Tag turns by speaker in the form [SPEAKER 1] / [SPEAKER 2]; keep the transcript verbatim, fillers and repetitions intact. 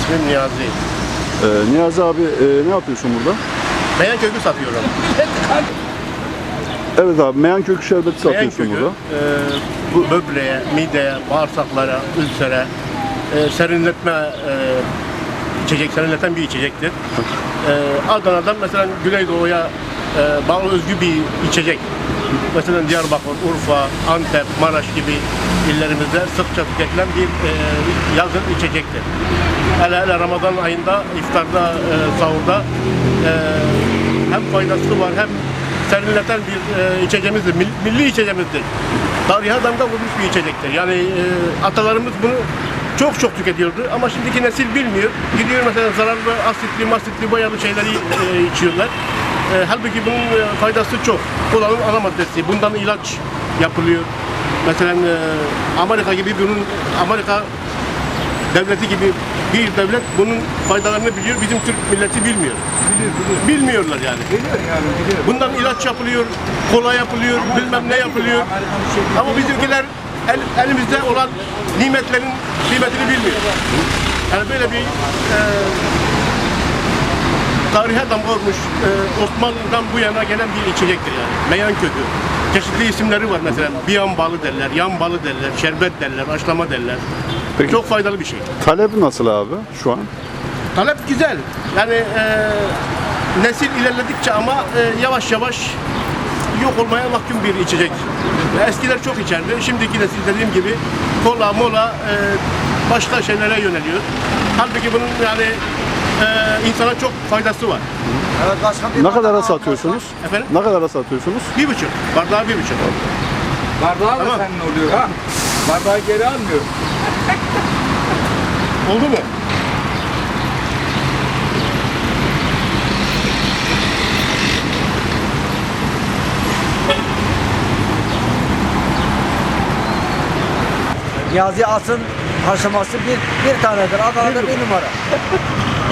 [SPEAKER 1] İsmim Niyazi.
[SPEAKER 2] Ee, Niyazi abi e, ne yapıyorsun burada?
[SPEAKER 1] Meyan kökü satıyorum.
[SPEAKER 2] Evet abi, meyan kökü şerbeti
[SPEAKER 1] Meyan
[SPEAKER 2] satıyorsun
[SPEAKER 1] kökü
[SPEAKER 2] burada.
[SPEAKER 1] e, bu böbreğe, mideye, bağırsaklara, ülsere, e, serinletme e, içecek, serinleten bir içecektir. E, Adana'dan mesela Güneydoğu'ya e, bağlı özgü bir içecek. Mesela Diyarbakır, Urfa, Antep, Maraş gibi illerimizde sıkça tüketilen bir e, yazın içecektir. Hele hele Ramazan ayında iftarda, e, sahurda e, hem faydası var hem serinleten bir e, içeceğimizdir, milli, milli içeceğimizdir. Tarihe damga vurmuş bir içecektir. Yani e, atalarımız bunu çok çok tüketiyordu ama şimdiki nesil bilmiyor. Gidiyor mesela zararlı, asitli, masitli, boyalı şeyleri e, içiyorlar. E, halbuki bunun e, faydası çok. Kolanın ana maddesi. Bundan ilaç yapılıyor. Mesela e, Amerika gibi bunun Amerika devleti gibi bir devlet bunun faydalarını biliyor. Bizim Türk milleti bilmiyor.
[SPEAKER 3] Biliyor, biliyor.
[SPEAKER 1] Bilmiyorlar yani.
[SPEAKER 3] Biliyor yani, biliyor.
[SPEAKER 1] Bundan ilaç yapılıyor, kola yapılıyor, bilmem ne yapılıyor. Ama bizimkiler el, elimizde olan nimetlerin kıymetini bilmiyor. Yani böyle bir e, tarihe damga vurmuş, e, Osmanlı'dan bu yana gelen bir içecektir yani. Meyan kökü. Çeşitli isimleri var mesela. Biyan balı derler, yan balı derler, şerbet derler, haşlama derler.
[SPEAKER 2] Peki.
[SPEAKER 1] Çok faydalı bir şey.
[SPEAKER 2] Talep nasıl abi şu an?
[SPEAKER 1] Talep güzel. Yani e, nesil ilerledikçe ama e, yavaş yavaş yok olmaya mahkum bir içecek. Eskiler çok içerdi. Şimdiki nesil dediğim gibi kola, mola e, başka şeylere yöneliyor. Halbuki bunun yani e, insana çok faydası var.
[SPEAKER 3] Evet, başka bir
[SPEAKER 2] Ne kadara
[SPEAKER 3] bardağı
[SPEAKER 2] satıyorsunuz?
[SPEAKER 1] Efendim?
[SPEAKER 2] Ne kadara satıyorsunuz?
[SPEAKER 1] Bir buçuk. Bardağı bir buçuk.
[SPEAKER 3] Bardağı da
[SPEAKER 1] Tamam.
[SPEAKER 3] senin oluyor ha. Bardağı geri almıyor.
[SPEAKER 1] Oldu mu?
[SPEAKER 4] Niyazi As'ın haşlaması bir, bir tanedir. Adana'da bir numara.